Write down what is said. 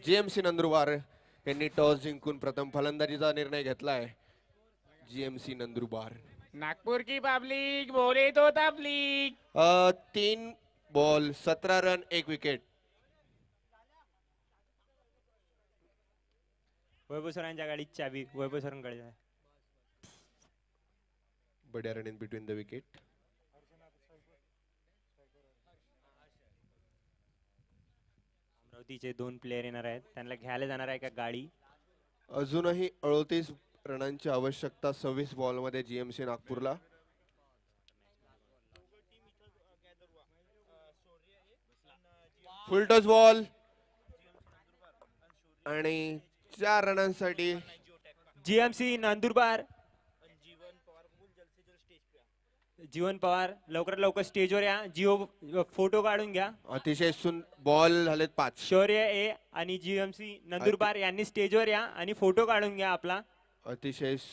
GMC Nandurbar यांनी toss जिंकून प्रथम फलंदाजीचा निर्णय घेतलाय. जीएमसी नंदुरबार नागपूर की पब्लिक बोले तो तबलीग. 3 बॉल 17 रन 1 विकेट. वैभव सरांच्या गाडीची चावी वैभव सरांकडे आहे. बड्या run in between the wicket. अमरावतीचे 2 प्लेयर येणार आहेत, त्यांना घ्यायला जाणार आहे का गाडी. अजूनही 38 रनांची आवश्यकता 26 बॉल मध्ये जीएमसी नागपूरला. फुल टॉस बॉल आणि 4 रनांसाठी जीएमसी नंदुरबार. जीवन पवार लवकरात लवकर स्टेजवर या. जिओ फोटो काढून घ्या. अतिशय बॉल झालेत 5. शौर्य ए आणि जीएमसी नंदुरबार यांनी स्टेजवर या आणि फोटो काढून घ्या आपला. अतिशय